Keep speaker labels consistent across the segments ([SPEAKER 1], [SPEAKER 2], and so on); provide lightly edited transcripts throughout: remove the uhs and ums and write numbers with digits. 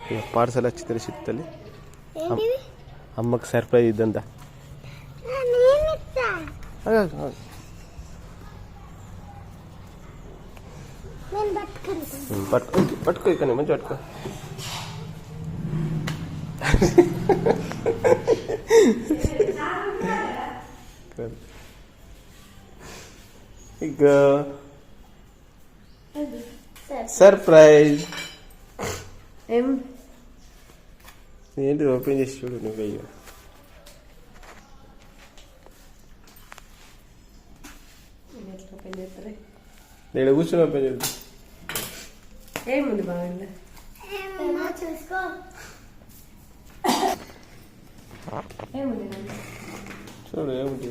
[SPEAKER 1] Parcel వచ్చి తెలిసిద్ది అమ్మకి సర్ప్రైజ్ ఇద్దంతా పట్టుకో ఇక్కడ మంచి పట్టుకో ఇక సర్ప్రైజ్ ఏంటి ఓపెన్ చేసి చూడు నువ్వు అయ్యో నేను కూర్చొని ఓపెన్ చేద్దాం
[SPEAKER 2] ఏముంది బాగుంది
[SPEAKER 3] చూసుకో
[SPEAKER 2] ఏముంది
[SPEAKER 1] చూడు ఏముంటుందో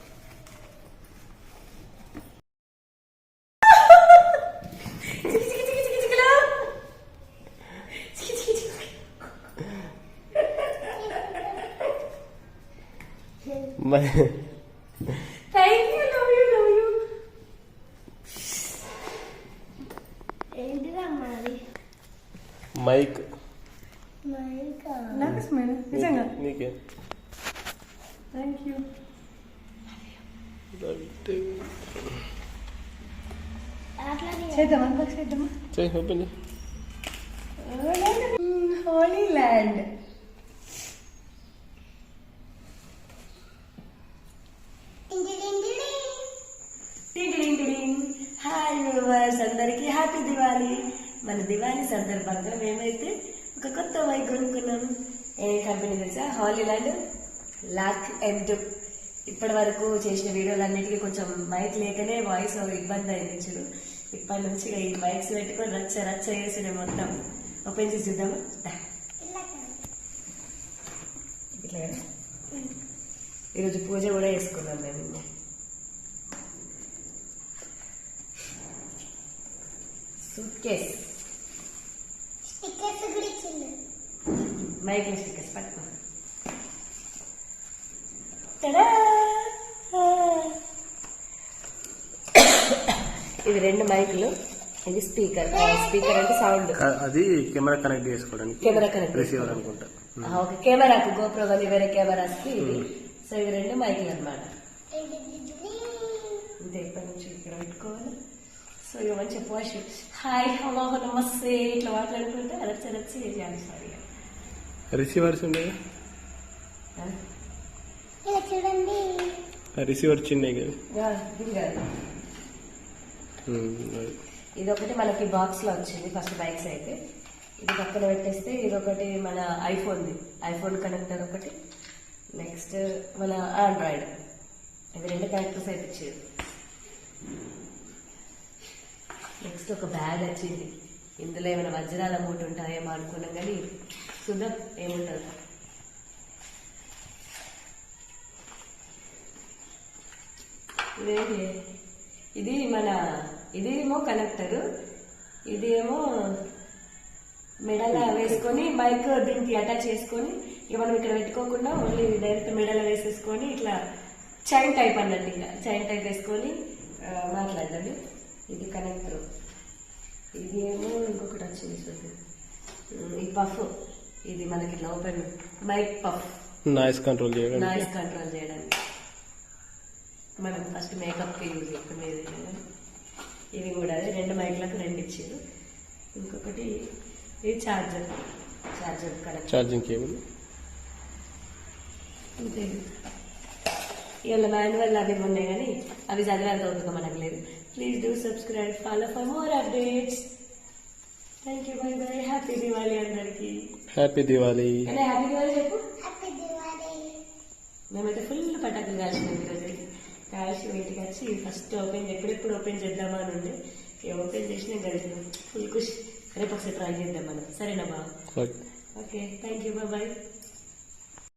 [SPEAKER 2] థ్యాంక్ యూ లవ్ యూ
[SPEAKER 3] ఏంటిరా మరి
[SPEAKER 1] మైక్
[SPEAKER 2] నాకు స్మెల్ నిజంగా
[SPEAKER 1] నీకే
[SPEAKER 2] థ్యాంక్ యూ చేద్దామా చేద్దామా
[SPEAKER 1] open
[SPEAKER 2] Hollyland hi viewers అందరికీ హ్యాపీ దివాళీ. మన దివాళీ సందర్భంగా మేమైతే ఒక కొత్త మైక్ కొనుక్కున్నాము. ఏ కంపెనీ తెలుసా? Hollyland Lark M2. ఇప్పటి వరకు చేసిన వీడియోలన్నిటికీ కొంచెం మైక్ లేకనే వాయిస్ ఇబ్బంది అయింది చూడు. ఇప్పటి నుంచి ఈ మైక్స్ పెట్టుకొని రచ్చ రచ్చ చేసిన మొత్తం ఓపెన్ చేసి చూద్దాము. ఇట్లా ఈరోజు పూజ కూడా చేసుకున్నాం మేము. సూట్ కేస్
[SPEAKER 3] స్టిక్కర్స్ కూడా ఇచ్చిండు.
[SPEAKER 2] మైక్ స్టిక్కర్స్ పట్టుకో. ఇవి 2 మైకులు. ఇది స్పీకర్. స్పీకర్ అంటే సౌండ్.
[SPEAKER 1] అది కెమెరా కనెక్ట్ చేసుకోవడానికి.
[SPEAKER 2] కెమెరా కనెక్ట్
[SPEAKER 1] రిసీవర్ అనుకుంటా.
[SPEAKER 2] ఓకే, కెమెరాకు గోప్రో కానీ వేరే కెమెరాస్ కి ఇది. సో ఇవి 2 మైకులు అనమాట. ఇంతే, ఇప్పటి నుంచి ఇక్కడ పెట్టుకోవాలి. సో ఇక మంచిగా పోషి హాయ్ హలో నమస్తే ఇట్లా మాట్లాడుకుంటే రచ్చ రచ్చ చేయాలి. సారీ,
[SPEAKER 1] రిసీవర్స్ ఉండేది.
[SPEAKER 3] ఇలా చూడండి,
[SPEAKER 1] రిసీవర్ చిన్నవి కదా.
[SPEAKER 2] ఇది కాదు, ఇది ఒకటి మనకి బాక్స్ లో వచ్చింది ఫస్ట్ బైక్స్ అయితే. ఇది పక్కన పెట్టేస్తే ఇది ఒకటి మన ఐఫోన్ కనెక్టర్ ఒకటి. నెక్స్ట్ మన ఆండ్రాయిడ్. ఇవి 2 కనెక్టర్స్ అయితే ఇచ్చేది. నెక్స్ట్ ఒక బ్యాగ్ వచ్చింది. ఇందులో ఏమైనా వజ్రాల మూట ఉంటాయేమో అనుకున్నాం కానీ చూద్దాం ఏముంటుంది. ఇదేంటి? ఇదేమో కనెక్టర్, ఇది ఏమో మెడల వేసుకొని మైక్ దీనికి అటాచ్ చేసుకొని ఇక మనం ఇక్కడ పెట్టుకోకుండా ఓన్లీ డైరెక్ట్ మెడల వేసేసుకొని ఇట్లా చైన్ టైప్ అన్నట్టు, ఇంకా చైన్ టైప్ వేసుకొని మాట్లాడండి. ఇది కనెక్టర్. ఇది ఏమో ఇంకొకటి వచ్చింది చూద్దాం. ఈ పఫ్, ఇది మనకి ఇట్లా open mic puff,
[SPEAKER 1] noise control
[SPEAKER 2] చేయడానికి మనం ఫస్ట్ మేకప్ కి యూజ్ చేసుకునేది. ఇవి కూడా అదే 2 మైక్లకు 2 ఇచ్చారు. ఇంకొకటి ఇది ఛార్జర్ కనెక్ట్,
[SPEAKER 1] ఛార్జింగ్ కేబుల్.
[SPEAKER 2] అంతే. ఇవాళ మాన్యువల్ అవి ఉన్నాయి కానీ అవి చదివేంత అవుతుందో మనకు లేదు. Please do subscribe, follow for more updates. Thank you, bye bye. Happy Diwali అందరికి.
[SPEAKER 1] హ్యాపీ దివాళీ.
[SPEAKER 2] హ్యాపీ దివాళీ చెప్పు.
[SPEAKER 3] హ్యాపీ దివాళీ.
[SPEAKER 2] మేమైతే ఫుల్ పటాకులు కాల్చినాం ఈరోజు. కాల్చి ఇంటికి వచ్చి ఫస్ట్ ఎప్పుడెప్పుడు ఓపెన్ చేద్దామా అని ఉండే. ఓపెన్ చేసినా గడిచినాం. ఫుల్ ఖుషి. రేపు ఒకసారి ట్రై చేద్దాం మనం. సరేనా బాబు? Okay, thank you, bye by.